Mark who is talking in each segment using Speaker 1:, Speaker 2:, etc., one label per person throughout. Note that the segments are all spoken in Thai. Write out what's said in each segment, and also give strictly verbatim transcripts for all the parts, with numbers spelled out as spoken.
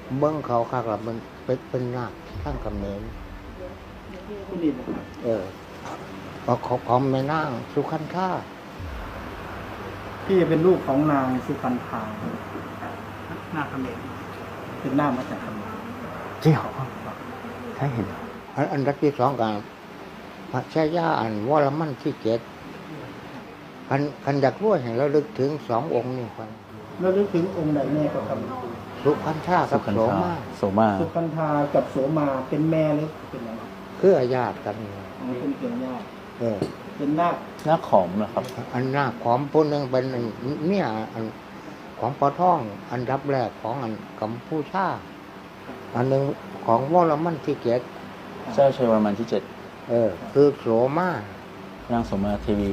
Speaker 1: เบิ้งเขาคักละมันเป็นเป็นนาคตั้งกำเนิด
Speaker 2: ผู้นี้นะครับ
Speaker 1: เออของของของแม่นางสุขันธา
Speaker 2: พี่เป็นลูกของนางสุพรรณพา
Speaker 3: นาคเขมร
Speaker 2: เป็นหน้ามาจากเขมร
Speaker 1: เจ้าใช่เห็นอันอันดับที่สองกันพระชายาอันวรมันที่เจ็ดคันคันอยากรู้ให้เราลึกถึงสององค์นี่คน
Speaker 2: แล้วนึกถึงองค์ใดแม่ก็ท
Speaker 1: สุขันธากับโสมา
Speaker 4: โสมา
Speaker 2: ำสุพรรณพากับโสมาเป็นแม่หรือเป็นอะไร
Speaker 1: คือญาติกัน
Speaker 2: อ๋อเป็นเป็นญาติ
Speaker 1: เออ
Speaker 2: เป็นนาค
Speaker 4: หน้าขอมนะครับ
Speaker 1: อันหน้าของผู้หนึ่งเป็นอันเนี่ยอันของปอท่อง อันดับแรกของอันกัมพูชาอันหนึ่งของวรมันที่เจ็ด
Speaker 4: เจ้าชัยวรมันที่เจ็ด
Speaker 1: เออ คือโสมา
Speaker 4: นางโสมาเทวี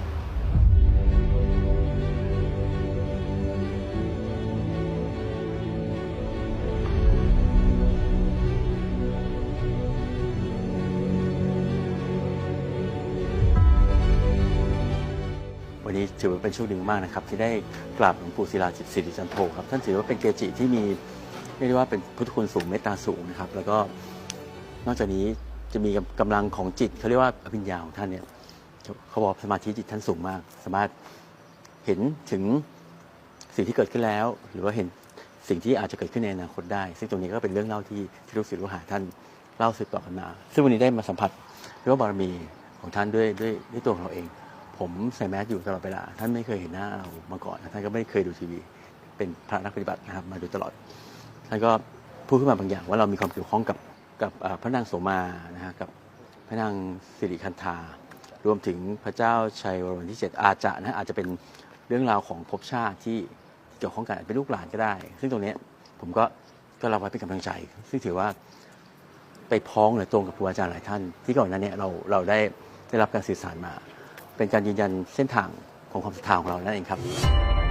Speaker 4: วันนี้ถือว่าเป็นโชคดีมากนะครับที่ได้กราบหลวงปู่ศิลาจิตสิริจันโทครับท่านถือว่าเป็นเกจิที่มีเรียกได้ว่าเป็นพุทธคุณสูงเมตตาสูงนะครับแล้วก็นอกจากนี้จะมีกำลังของจิตเขาเรียกว่าอภิญญาของท่านเนี่ยเขาบอกสมาธิจิตท่านสูงมากสามารถเห็นถึงสิ่งที่เกิดขึ้นแล้ว หรือว่าเห็นสิ่งที่อาจจะเกิดขึ้นในอนาคตได้ ซึ่งตรงนี้ก็เป็นเรื่องเล่าที่ที่ลูกศิษย์ลูกหาท่านเล่าสืบต่อกันมาซึ่งวันนี้ได้มาสัมผัสเรียกว่าบารมีของท่านด้วยด้วยด้วยตัวของเราเองผมใส่แมสอยู่ตลอดเวลาท่านไม่เคยเห็นหน้าเรามาก่อนท่านก็ไม่เคยดูทีวีเป็นพระนักปฏิบัตินะครับมาโดยตลอดท่านก็พูดขึ้นมาบางอย่างว่าเรามีความเกี่ยวข้องกับกับพระนางโสมานะฮะกับพระนางสิริคันธารวมถึงพระเจ้าชัยวรมันที่เจ็ดอาจจะนะอาจจะเป็นเรื่องราวของภพชาติที่เกี่ยวข้องกันเป็นลูกหลานก็ได้ ซึ่งตรงนี้ผมก็ก็รับไว้เป็นกำลังใจซึ่งถือว่าไปพ้องหรือตรงกับครูอาจารย์หลายท่านที่ก่อนหน้านี้เราเราได้ได้รับการสื่อสารมาเป็นการยืนยันเส้นทางของความศรัทธาของเรานั่นเองครับ